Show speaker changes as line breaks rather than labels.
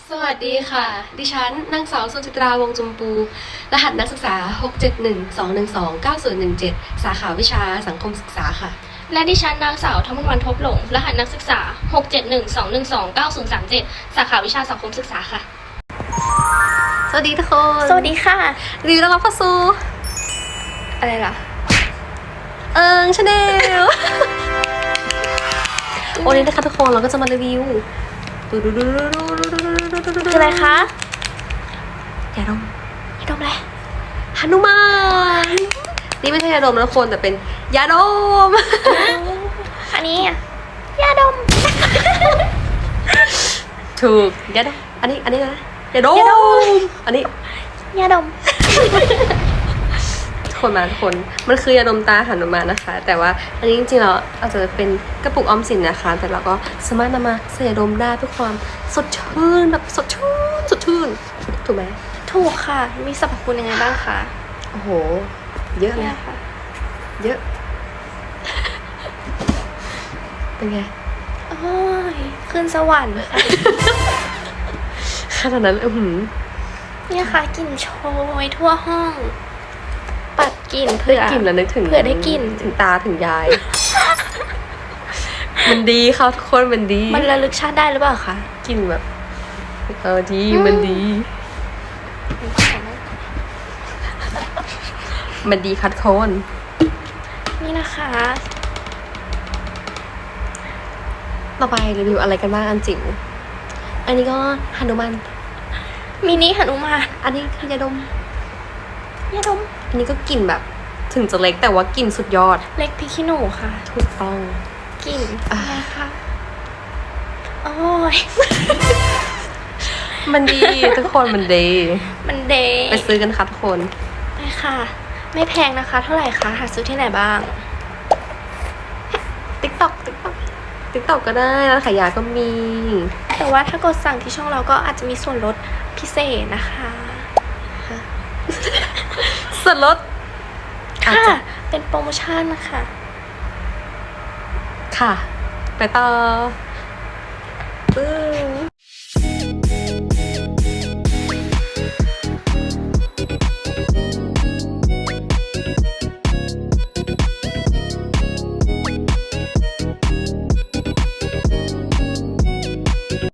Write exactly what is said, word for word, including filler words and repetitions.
สวัสดีค่ะ ดิฉันนางสาวสุจิตราวงศ์จุมปู รหัสนักศึกษา หก เจ็ด หนึ่ง สอง หนึ่ง สอง เก้า ศูนย์ หนึ่ง เจ็ด สาขาวิชาสังคมศึกษาค่ะ
และดิฉันนางสาวธรรมวันทบหลง รหัสนักศึกษา หก เจ็ด หนึ่ง สอง หนึ่ง สอง เก้า ศูนย์ สาม เจ็ด สาขาวิชาสังคมศึกษาค่ะ
สวัสดีทุกคน
สวัสดีค่ะ
รีวิวต้อนรับเข้าสู่
อะไรล่ะ
เอิงชาแนล วันนี้นะคะทุกคนเราก็จะมารีวิวดูดูดูดูดูดูดูดูดูดู
คืออะไรคะ
ยาดม
ยาดมอะไร
หนุมานนี่ไม่ใช่ยาดมนะทุกคนแต่เป็นยาดม
อันนี้อะยาดม
ถูกยาดมอันนี้อันนี้นะยาดม
ยาดม
อันนี้
ยาดม
ทุกคนมาทุกคนมันคือยาดมตาหนุมานนะคะ แต่ว่าอันนี้จริงๆแล้วอาจจะเป็นกระปุกออมสินนะคะ แต่เราก็สามารถนำมาใส่ยาดมได้เพื่อความสดชื่นแบบสดชื่นสดชื่นถูกไหม
ถูกค่ะ มีสรรพคุณยังไงบ้างคะ
โอ้โหเยอะเลย
เนี่ยค่ะ
เยอะ เป็นไง
โอ้ยขึ้นสวรรค์ค่ะ
ขนาดนั้นอือหือ
เนี่ยค่ะกลิ่นโชยทั่วห้อง ปัดกลิ่นเผื่อ
ได้กลิ่นแล้วนึกถึง
เผื่อได้กลิ่น
ถึงตาถึงยาย มันดีค่ะทุกคนมันดี
มันระลึกชาติได้หรือเปล่าคะ
กลิ่นแบบเออดีมันดี มันดีคัดโคน
นี่นะคะ
ต่อไปรีวิวอะไรกันบ้างอันจิ๋วอันนี้ก็หนุมาน
มินิหนุมาน
อันนี้คือยาดม
ยาดม
อันนี้ก็กลิ่นแบบ ถึงจะเล็กแต่ว่ากลิ่นสุดยอด
เล็กพริกขี้หนูค่ะ
ถูกต้อง
กลิ่น
อ่ะ
อะไรคะโอ้ย
มันดี ทุกคนมันดี
มันเดย์
ไปซื้อกันค่ะทุกคน
ไปค่ะ ไม่แพงนะคะ เท่าไหร่คะหาซื้อที่ไหนบ้าง
ติ๊กต็อกติ๊กต็อกติ๊กต็อกก็ได้ร้านขายยาก็มี
แต่ว่าถ้ากดสั่งที่ช่องเราก็อาจจะมีส่วนลดพิเศษนะคะ
ส่วนลดอาจ
ค่ะ
จะ
เป็นโปรโมชั่นนะคะ
ค่ะ ไปต่อปึ๊บ